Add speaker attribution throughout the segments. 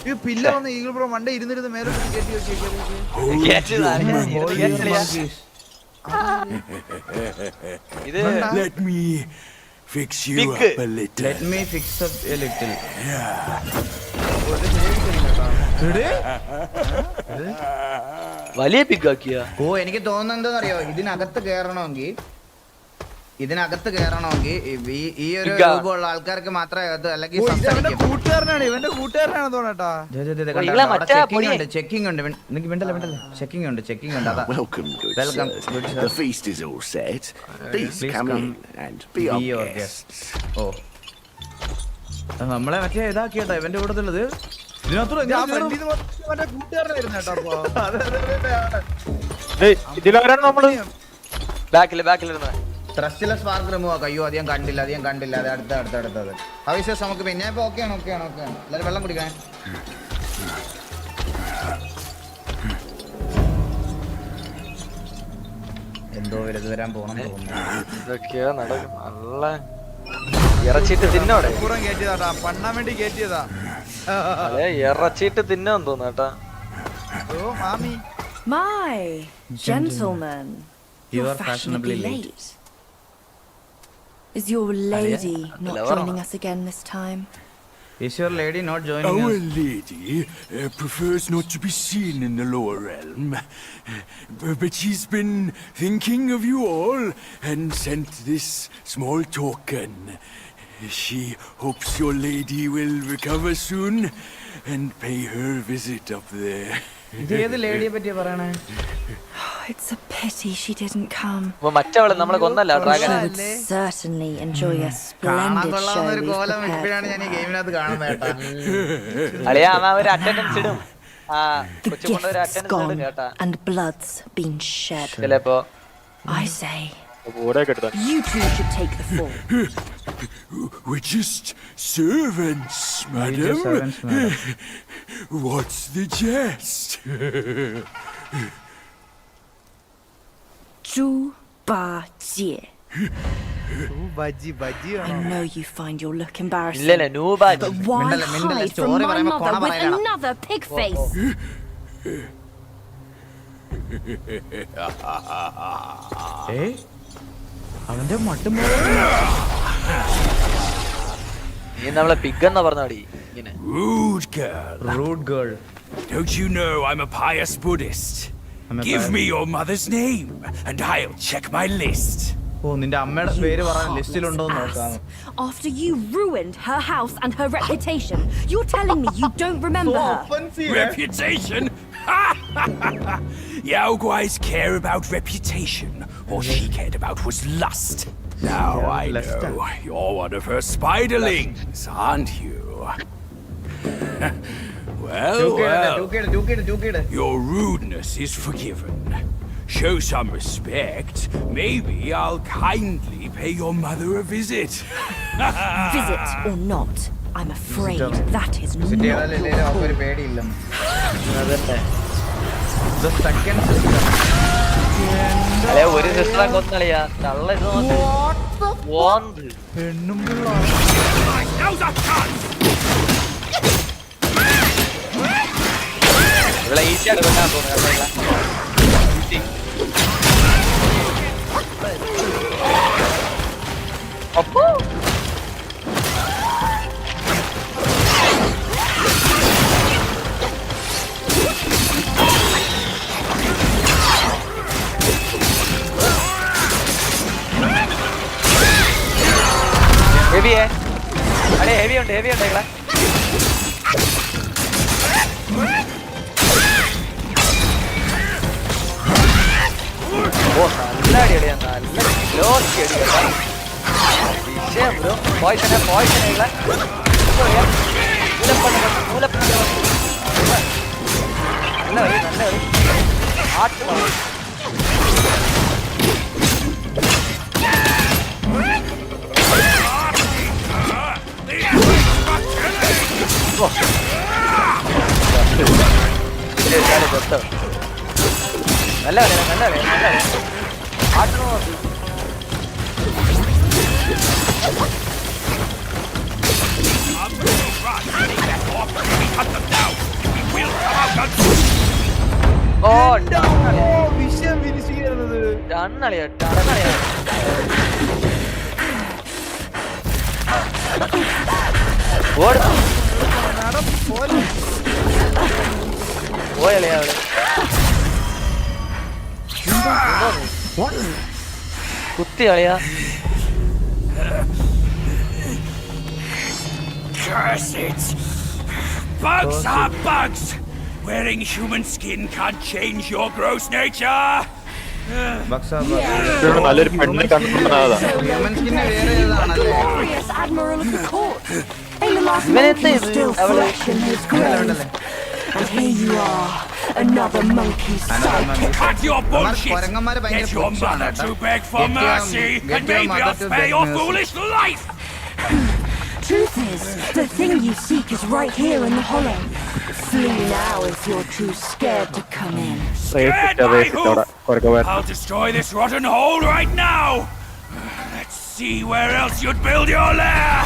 Speaker 1: Pillar വന്ന് eagle bro മണ്ട ഇരുന്നിരുന്ന് മേലെ കയറ്റി
Speaker 2: ഇത്
Speaker 3: Let me fix you up a little.
Speaker 1: Let me fix up a little.
Speaker 2: വലിയ പിക്കാക്കിയ.
Speaker 1: ഓ എനിക്ക് തോന്നുന്നത് എന്താണെന്നറിയോ, ഇതിനകത്ത് കയറണമെങ്കിൽ ഈ ഒരു രൂപമുള്ള ആൾക്കാർക്ക് മാത്രമേ അത്, അല്ലെങ്കിൽ കൂട്ടുകാരനാണ് തോന്നട്ടാ. ചെക്കിംഗ് ഉണ്ട്, ചെക്കിംഗ് ഉണ്ട്.
Speaker 3: Welcome, good sir. The feast is all set. Please come in and be our guests.
Speaker 1: ഓ നമ്മളെ മറ്റേ ഇതാക്കിയട്ടോ ഇവന്റെ കൂട്ടത്തിലുള്ളത്. ത്രസ്റ്റിലെ സ്പാർക്ക് റിമൂവ് ആക്കാം. അയ്യോ അധികം കണ്ടില്ല അത് അടുത്തത് അവിശ്വാസം നമുക്ക് പിന്നെ. ഇപ്പൊ ഓക്കെയാണ് എല്ലാവരും വെള്ളം കുടിക്കണേ. എന്തോ വലുത് വരാൻ പോണം
Speaker 2: ഇതൊക്കെയാ നടക്കും. നല്ല ഇറച്ചിട്ട് തിന്നോടെ
Speaker 1: പൂരം കയറ്റിയതാ, പണ്ണാൻ വേണ്ടി കയറ്റിയതാ.
Speaker 2: ഇറച്ചിട്ട് തിന്നാൻ തോന്നാട്ടാ.
Speaker 1: ഓ മാമി.
Speaker 4: My gentleman,
Speaker 1: You are fashionably late.
Speaker 4: Is your lady not joining us again this time?
Speaker 1: Is your lady not joining
Speaker 3: Our
Speaker 1: us?
Speaker 3: lady prefers not to be seen in the lower realm, but she's been thinking of you all and sent this small token. She hopes your lady will recover soon and pay her visit up there.
Speaker 1: ഇതേത് ലേഡിയെ പറ്റിയാ പറയണേ?
Speaker 4: It's a pity she didn't come.
Speaker 2: മറ്റവള് നമ്മളെ കൊന്നല്ല dragon.
Speaker 4: Certainly enjoy a splendid show we've prepared.
Speaker 1: ഞാൻ ഈ ഗെയിമിനകത്ത് കാണുന്നത് കേട്ടാ.
Speaker 2: അളിയാ ഒരു അറ്റൻഡൻസ് ഇടും.
Speaker 4: The gift's gone and blood's been shed.
Speaker 2: ചിലപ്പോ
Speaker 4: I say, you two should take the fall.
Speaker 3: We're just servants, madam. What's the jest?
Speaker 4: Zhu Ba Jie.
Speaker 1: Bajji
Speaker 4: I know you find your look embarrassing.
Speaker 2: ഇല്ലല്ല നൂബാജി.
Speaker 4: But why
Speaker 1: മിണ്ടല്ല,
Speaker 4: hide from
Speaker 1: story
Speaker 4: my
Speaker 1: പറയുമ്പോ
Speaker 4: mother
Speaker 1: കൊണ
Speaker 4: with
Speaker 1: പറയണം.
Speaker 4: another pig face?
Speaker 1: അവന്റെ മട്ടും
Speaker 2: നീ നമ്മളെ pig എന്നാ പറഞ്ഞാടി ഇങ്ങനെ.
Speaker 3: Rude girl.
Speaker 1: Rude girl.
Speaker 3: Don't you know I'm a pious Buddhist? Give me your mother's name and I'll check my list.
Speaker 1: ഓ നിന്റെ അമ്മയുടെ പേര് പറയാൻ ലിസ്റ്റിലുണ്ടോ എന്ന് നോക്കാം.
Speaker 4: After you ruined her house and her reputation, you're telling me you don't remember her?
Speaker 3: Reputation? Yao Guai's care about reputation. All she cared about was lust. Now I know you're one of her spiderlings, aren't you? Well, your rudeness is forgiven. Show some respect. Maybe I'll kindly pay your mother a visit.
Speaker 4: Visit or not, I'm afraid that is not
Speaker 1: ഒരു പേടിയില്ല.
Speaker 2: അല്ലെ ഒരു സിസ്റ്ററെ കൊന്നളിയാ തള്ള ഇത് നോക്ക്.
Speaker 1: പെണ്ണും
Speaker 2: ഇവിടെ ഈസിയായിട്ട് കൊല്ലാൻ തോന്നുന്നു. അപ്പോ ഹെവിയേ അല്ലേ ഹെവി ഉണ്ട് ഇവിടെ. ഓ നല്ല അടിയടിയാ, നല്ല ക്ലോസ് അടി കേട്ടോ. വിഷയം ബ്രോ. പോയിസനെ നല്ല ഒരു ആട്ട് നല്ല ആട്ടണോ നോക്കി.
Speaker 3: Cut them down!
Speaker 2: ഓ
Speaker 5: വിഷയം വിരിച്ചിരുന്നത്
Speaker 2: ടണ്ണളിയാ ടണ്ണളിയാ. ഓട് പോയളിയാ അവള് കുത്തി കളിയാ.
Speaker 3: Curse it! Bugs are bugs! Wearing human skin can't change your gross nature!
Speaker 6: നല്ലൊരു പെണ്ണിനെ കണ്ടിട്ടുണ്ടാകാം.
Speaker 4: Glorious admiral of the court. Aelolas
Speaker 2: ഇവനെന്താ
Speaker 4: monkey
Speaker 2: ഇത്?
Speaker 4: still
Speaker 2: അവള്
Speaker 4: fresh in his grave. And here you are, another monkey's sidekick.
Speaker 3: Cut your bullshit!
Speaker 1: കൊരങ്ങന്മാര് ഭയങ്കര
Speaker 3: Get your
Speaker 1: പുച്ഛമാണ്
Speaker 3: mother
Speaker 1: കേട്ടോ.
Speaker 3: to beg for
Speaker 1: Get your-
Speaker 3: mercy,
Speaker 1: get
Speaker 3: and
Speaker 1: your
Speaker 3: maybe
Speaker 1: mother
Speaker 3: I'll
Speaker 1: to
Speaker 3: spare
Speaker 1: beg
Speaker 3: your
Speaker 1: mercy.
Speaker 3: foolish life!
Speaker 4: Truth is, the thing you seek is right here in the hollow. Flee now if you're too scared to come in.
Speaker 3: I'll destroy this rotten hole right now! Let's see where else you'd build your lair!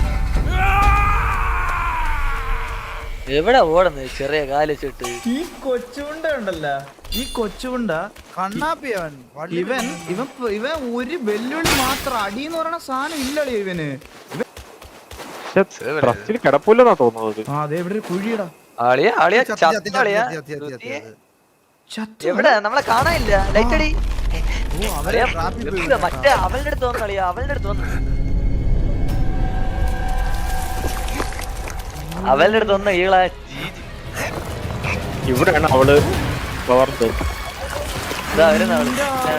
Speaker 2: എവിടെ ഓടുന്നത് ചെറിയ കാലിച്ചിട്ട്?
Speaker 5: ഈ കൊച്ചുണ്ട ഉണ്ടല്ലോ, ഈ കൊച്ചുണ്ട കണ്ണാപ്പിയവൻ ഇവൻ ഇവൻ ഇവൻ ഒരു വെല്ലുവിളി മാത്രം അടി എന്ന് പറയുന്ന സാധനം ഇല്ലല്ലോ ഇവന്.
Speaker 6: ട്രസ്റ്റിൽ കിടപ്പില്ലെന്നാ തോന്നുന്നത്.
Speaker 5: ആ അതെ ഇവിടെ ഒരു കുഴിയടാ.
Speaker 2: ആളിയാ ആളിയാ ചത്തളിയാ. എവിടെ നമ്മളെ കാണാനില്ല. ലൈറ്റ് അടി. അളിയാ, മറ്റേ അവളുടെ അടുത്ത് വന്നു കളിയാ, അവളുടെ അടുത്ത് വന്നു. അവളുടെ അടുത്ത് വന്ന ഈളാ.
Speaker 6: ഇവിടെയാണ് അവള് വളർന്നത്.
Speaker 2: ഇതാ വരുന്ന അവള്.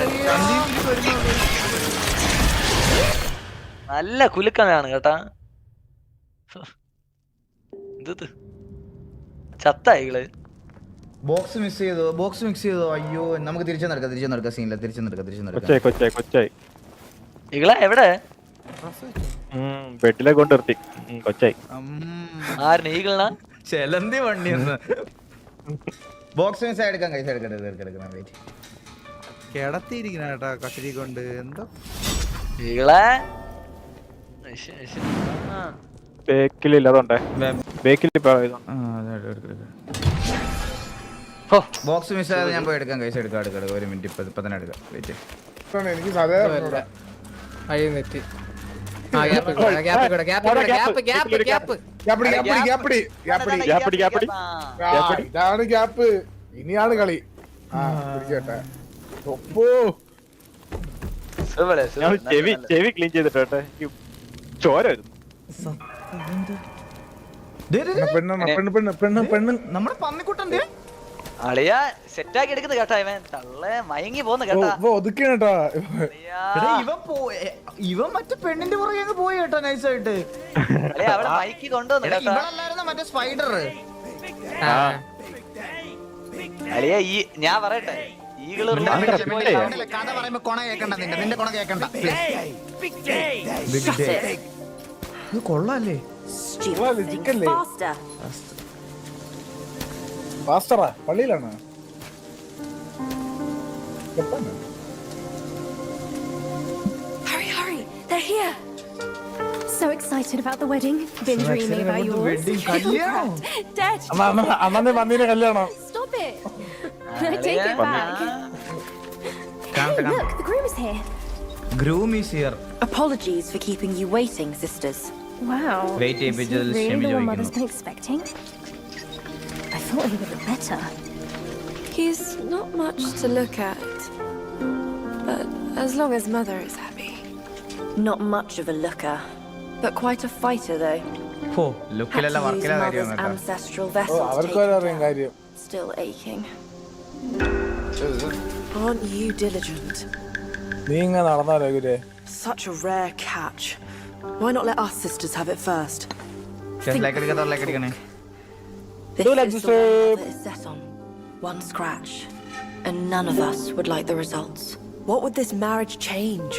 Speaker 2: നല്ല കുലുക്കനാണ് കേട്ടാ. ഇത് ചത്ത ഈകള്.
Speaker 1: ബോക്സ് മിസ് ചെയ്തോ, ബോക്സ് മിക്സ് ചെയ്തോ. അയ്യോ നമുക്ക് തിരിച്ചു നടക്കാം സീനില്ല. തിരിച്ചു നടക്കാം.
Speaker 6: കൊച്ചായി
Speaker 2: ഈകള എവിടെ?
Speaker 6: ബെഡിലെ കൊണ്ട് നിർത്തി. കൊച്ചായി
Speaker 2: ആരിന് ഈകളാ?
Speaker 1: ചെലന്തി വണ്ടി ബോക്സ് മിസ് എടുക്കാൻ കൈസ് എടുക്കണം. വെയിറ്റ്
Speaker 5: കിടത്തിയിരിക്കണ കേട്ടാ കഷരി കൊണ്ട് എന്തോ
Speaker 2: ഈകളെ
Speaker 6: ബേക്കിലില്ല, അതുകൊണ്ടേ ബേക്കിൽ
Speaker 1: ബോക്സ് മിസ് ആയത് ഞാൻ പോയി എടുക്കാൻ കൈസ് എടുക്കാം. ഒരു മിനിറ്റ് ഇപ്പൊ തന്നെ എടുക്കാം. വെയിറ്റ്
Speaker 7: എനിക്ക് സാധാരണ ഇതാണ് ഗ്യാപ്പ്. ഇനിയാണ് കളി. പിടിച്ചേട്ടെ.
Speaker 6: ചെവി ക്ലീൻ ചെയ്തിട്ടെ ചോര വരുന്നു.
Speaker 1: നമ്മുടെ പന്നിക്കുട്ടൻ
Speaker 2: അളിയാ സെറ്റാക്കി എടുക്കുന്നത് കേട്ടാ. ഇവൻ തള്ളെ മയങ്ങി പോന്ന് കേട്ടാ.
Speaker 7: ഒതുക്കേട്ടാ.
Speaker 1: ഇവൻ മറ്റേ പെണ്ണിന്റെ പുറകെ അങ്ങ് പോയി കേട്ടോ നൈസായിട്ട്.
Speaker 2: അവിടെ മയക്കി കൊണ്ടുവന്നു കേട്ടാ.
Speaker 1: ഇവളല്ലായിരുന്നു മറ്റേ സ്പൈഡർ.
Speaker 2: അളിയാ ഈ ഞാൻ പറയട്ടെ, ഈകള്
Speaker 1: കഥ പറയുമ്പോ കൊണ കേക്കണ്ട. നിന്റെ കൊണ കേക്കണ്ട. ഇത് കൊള്ളാല്ലേ?
Speaker 7: പാസ്റ്ററാ പള്ളിയിലാണ്.
Speaker 4: Hurry, they're here. So excited about the wedding. Been dreaming about yours. Dead.
Speaker 7: അമ്മ വന്നീനെ കല്യാണം.
Speaker 4: Stop it. I take it back. Hey, look, the groom is here.
Speaker 1: Groom is here.
Speaker 4: Apologies for keeping you waiting, sisters. Wow.
Speaker 1: Wait,
Speaker 4: is he really the one Mother's been expecting? I thought he would look better.
Speaker 8: He's not much to look at, but as long as Mother is happy.
Speaker 4: Not much of a looker, but quite a fighter though.
Speaker 1: Oh, look
Speaker 4: Had to use Mother's ancestral vessel to take
Speaker 7: അവർക്കൊരു
Speaker 4: her
Speaker 7: അറിയാം
Speaker 4: down.
Speaker 7: കാര്യം.
Speaker 4: Still aching.
Speaker 8: Aren't you diligent?
Speaker 7: നീ ഇങ്ങനെ നടന്നാലോ ഗുരേ?
Speaker 8: Such a rare catch. Why not let us sisters have it first?
Speaker 1: like it.
Speaker 4: This
Speaker 7: Do like
Speaker 4: is
Speaker 7: this,
Speaker 4: the one Mother is set on. One scratch, and none of us would like the results.
Speaker 8: What would this marriage change?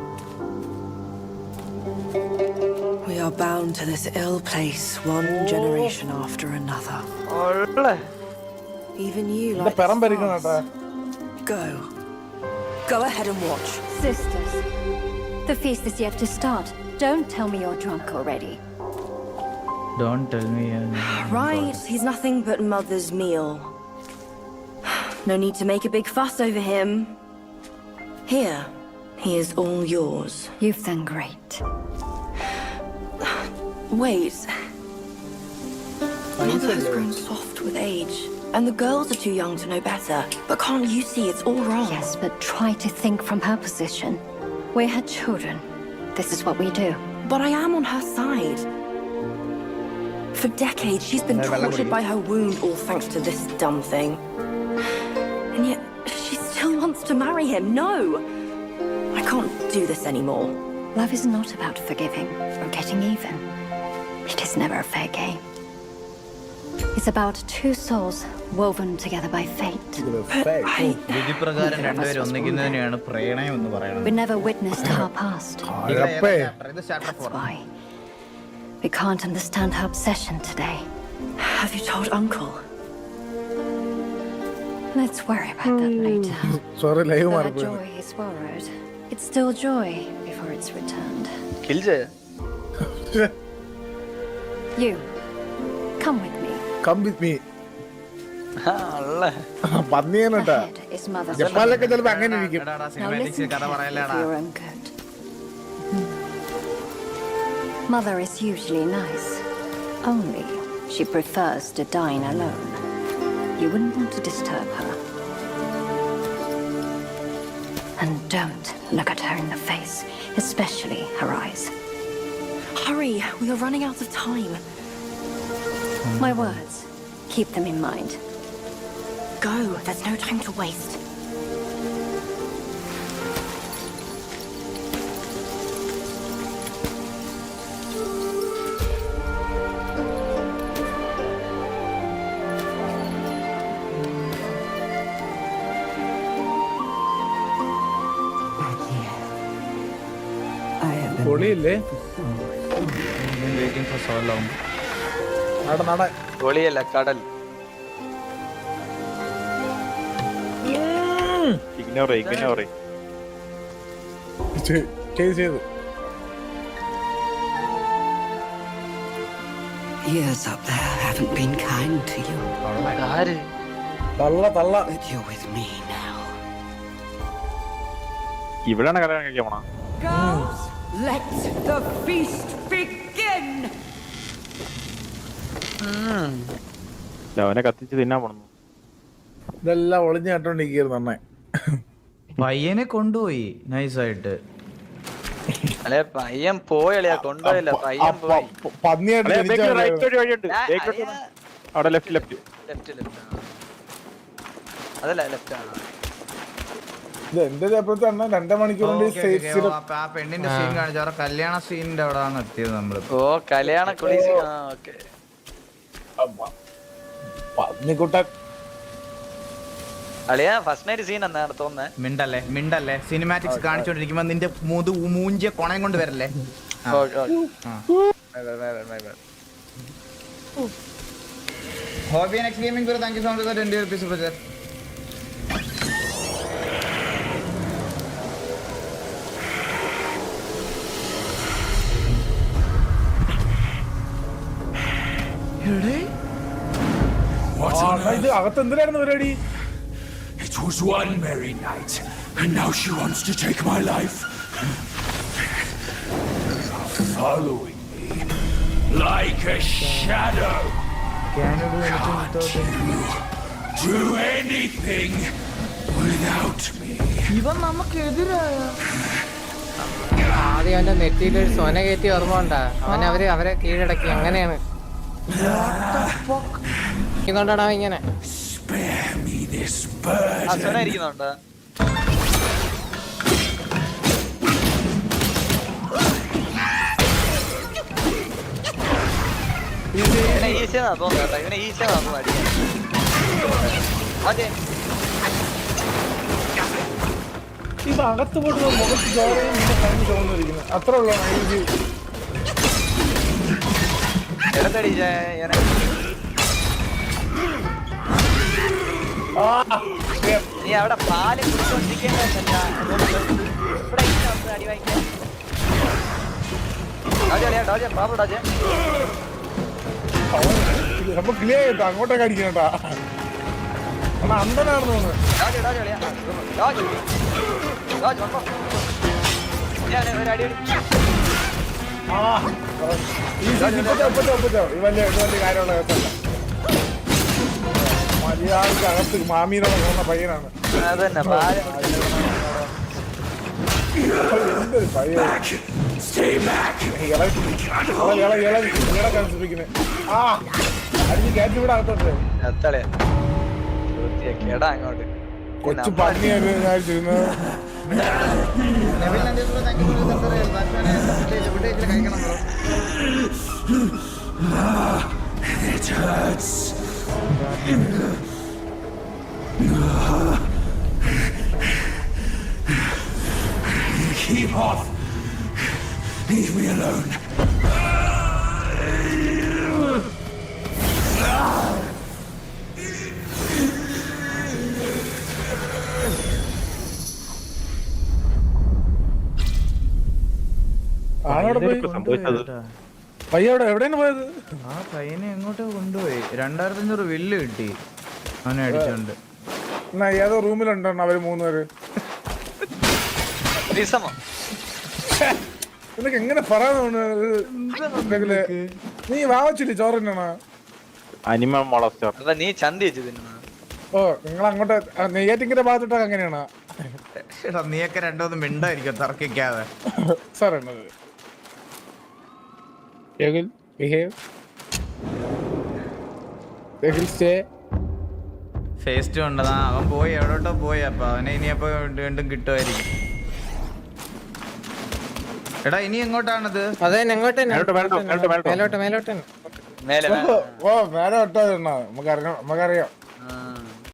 Speaker 8: We are bound to this ill place, one generation after another. Even you like
Speaker 7: പെറം പരിക്കണം കേട്ടാ.
Speaker 8: Go. Go ahead and watch.
Speaker 4: Sisters, the feast is yet to start. Don't tell me you're drunk already.
Speaker 1: Don't tell me.
Speaker 8: Right, he's nothing but Mother's meal.
Speaker 4: No need to make a big fuss over him. Here, he is all yours. You've done great. Wait. Mother has grown soft with age, and the girls are too young to know better. But can't you see it's all wrong?
Speaker 9: Yes, but try to think from her position. We're her children. This is what we do.
Speaker 4: But I am on her side. For decades, she's been tortured by her wound, all thanks to this dumb thing. And yet, she still wants to marry him. No! I can't do this anymore.
Speaker 9: Love is not about forgiving or getting even. It is never a fair game. It's about two souls woven together by fate.
Speaker 5: വിധിപ്രകാരം രണ്ടുപേരും ഒന്നിക്കുന്നതിനെയാണ് പ്രണയം എന്ന് പറയുന്നത്.
Speaker 9: We never witnessed our past.
Speaker 5: ഇത് chapter 4.
Speaker 9: That's why we can't understand her obsession today.
Speaker 4: Have you told Uncle?
Speaker 9: Let's worry about that later.
Speaker 7: Sorry live
Speaker 9: Though her
Speaker 7: മാറിപ്പോയി.
Speaker 9: joy is borrowed, it's still joy before it's returned.
Speaker 2: Kill ചെയ്യ.
Speaker 9: You, come with me.
Speaker 7: Come with me.
Speaker 2: അള്ള
Speaker 7: പന്നിയാനട്ടാ.
Speaker 9: Ahead is Mother's
Speaker 7: ജപ്പാനിലൊക്കെ ചിലപ്പോ അങ്ങനെ ഇരിക്കും.
Speaker 5: എടാടാ,
Speaker 9: Now
Speaker 5: cinematic
Speaker 9: listen
Speaker 5: കഥ
Speaker 9: carefully
Speaker 5: പറയല്ലേടാ.
Speaker 9: for your own good. Mother is usually nice. Only she prefers to dine alone. You wouldn't want to disturb her. And don't look at her in the face, especially her eyes.
Speaker 4: Hurry, we are running out of time.
Speaker 9: My words, keep them in mind.
Speaker 4: Go, there's no time to waste.
Speaker 7: പൊളിയില്ലേ?
Speaker 5: Waiting for so long.
Speaker 7: നട.
Speaker 2: പൊളിയല്ല കടൽ.
Speaker 6: Ignore
Speaker 7: ചെയ്ത്.
Speaker 10: Years up there haven't been kind to you,
Speaker 2: ആര്?
Speaker 7: തള്ള.
Speaker 10: but you're with me now.
Speaker 6: ഇവിടെയാണ് കല്യാണം കഴിക്കാൻ പോണ.
Speaker 10: Girls, let the feast begin!
Speaker 6: അവനെ കത്തിച്ച് തിന്നാൻ പോണു.
Speaker 7: ഇതെല്ലാം ഒളിഞ്ഞു കട്ടോണ്ടിരിക്കുന്നു നന്നായി.
Speaker 5: പയ്യനെ കൊണ്ടുപോയി നൈസായിട്ട്.
Speaker 2: അല്ലെ പയ്യൻ പോയളിയാ കൊണ്ടുപോയില്ല പയ്യൻ പോയി.
Speaker 7: പന്നിയായിട്ട് ജനിച്ച
Speaker 6: റൈറ്റ് ഒരു വഴിയുണ്ട്. അവിടെ ലെഫ്റ്റ്
Speaker 2: ലെഫ്റ്റ് അതല്ല ലെഫ്റ്റ് ആണ്.
Speaker 7: ഇത് എന്റെ അപ്പുറത്ത് തന്നെ 2 മണിക്കൂർ കൊണ്ട്
Speaker 5: ആ പെണ്ണിന്റെ സീൻ കാണിച്ചു. അവരുടെ കല്യാണ സീനിന്റെ അവിടെ ആണ് എത്തിയത് നമ്മള്.
Speaker 2: ഓ കല്യാണ കുളീസ്. ആ ഓക്കെ.
Speaker 7: പന്നിക്കുട്ടൻ
Speaker 2: അളിയാ ഫസ്റ്റ് നൈറ്റ് സീൻ എന്നാണ് തോന്നുന്നത്.
Speaker 5: മിണ്ടല്ലേ സിനിമാറ്റിക്സ് കാണിച്ചോണ്ടിരിക്കുമ്പോ നിന്റെ മൂഞ്ചിയ കൊണയം കൊണ്ട് വരല്ലേ. Hobby next gaming for thank you so much for 20 rupees super chat.
Speaker 7: ഇത് അകത്ത് എന്തിനായിരുന്നു പരിപാടി?
Speaker 3: It was one merry night, and now she wants to take my life. Following me like a shadow. Can't you do anything without me?
Speaker 5: ഇവൻ നമുക്കെതിരായ
Speaker 11: ആദ്യം അവന്റെ നെറ്റിയിലൊരു സൊന കയറ്റി ഓർമ്മ ഉണ്ടാ. അവരെ കീഴടക്കി. അങ്ങനെയാണ് ഇതുകൊണ്ടാണ് അവൻ ഇങ്ങനെ.
Speaker 3: Spare me this burden.
Speaker 2: ഇരിക്കുന്നുണ്ടോ? ഇവനെ ഈസിയാ തോന്നുന്നു. ഇവനെ ഈസിയാ തോന്നുന്നു അടിക്കാൻ. അതെ
Speaker 7: ഇത് അകത്ത് പോയിട്ട് മുഖത്ത് ചോരയും കണ്ണു ചോന്നിരിക്കുന്നു. അത്ര ഉള്ളൂ.
Speaker 2: എടുത്തടി നീ അവിടെ പാല് കുടിച്ചോണ്ടിരിക്കേണ്ടതല്ല. ഇവിടെ അടി വാങ്ങിക്കാൻ ബാബു ഡോജ
Speaker 7: അപ്പൊ ക്ലിയർ കേട്ടോ. അങ്ങോട്ടൊക്കെ അടിക്കണട്ടാ. അണ്ണാ അന്തനാണെന്ന് തോന്നുന്നു.
Speaker 2: ഒരു അടി
Speaker 7: ആ ഒപ്പിച്ചോ. ഈ വലിയ കാര്യമുള്ള കേസല്ല. മര്യാദക്ക് അകത്ത് മാമീനോട് പോകുന്ന പയ്യനാണ്.
Speaker 2: അതന്നെ
Speaker 7: എന്തൊരു പയ്യൻ ആ അടിച്ച് കയറ്റി ഇവിടെ അകത്തോട്ട്
Speaker 2: കേടാ അങ്ങോട്ട്
Speaker 7: കൊച്ചു പന്നിയൊക്കെ വിചാരിച്ചിരുന്നത്.
Speaker 1: കഴിക്കണം bro.
Speaker 3: Keep off. Leave me alone.
Speaker 7: ആളോടെ പോയി
Speaker 6: സംഭവിച്ചത്
Speaker 7: പയ്യ എവിടെയാണ് പോയത്?
Speaker 5: ആ പയ്യനെ എങ്ങോട്ടോ കൊണ്ടുപോയി. 2500 വില്ല് കിട്ടി അവനെ അടിച്ചോണ്ട്.
Speaker 7: എന്നാ ഏതോ റൂമിലുണ്ടോ അവര് 3 പേര്? നിനക്ക് എങ്ങനെ പറയാൻ നീ വാവച്ചില്ലേ ചോറിനാ?
Speaker 6: അനിമൽ മോളസ്റ്റർ.
Speaker 2: നീ ചന്തി വെച്ചു തിന്നു.
Speaker 7: ഓ നിങ്ങൾ അങ്ങോട്ട് നെയ്യാറ്റിന്റെ ഭാഗത്തോട്ടൊക്കെ അങ്ങനെയാണോ?
Speaker 1: നീയൊക്കെ രണ്ടോന്ന് മിണ്ടായിരിക്കും തർക്കിക്കാതെ.
Speaker 7: സാർ
Speaker 1: ഫേസ്റ്റ് ഉണ്ടതാ അവൻ പോയി എവിടോട്ടോ പോയി. അപ്പൊ അവനെ ഇനിയപ്പോ വീണ്ടും കിട്ടുമായിരിക്കും. എടാ ഇനി എങ്ങോട്ടാണത്?
Speaker 11: അതെ എങ്ങോട്ട്
Speaker 6: മേലോട്ട്
Speaker 11: മേലോട്ട്
Speaker 2: മേലെ
Speaker 7: ഓ മേലെ വിട്ടാ നമുക്കറിയാം.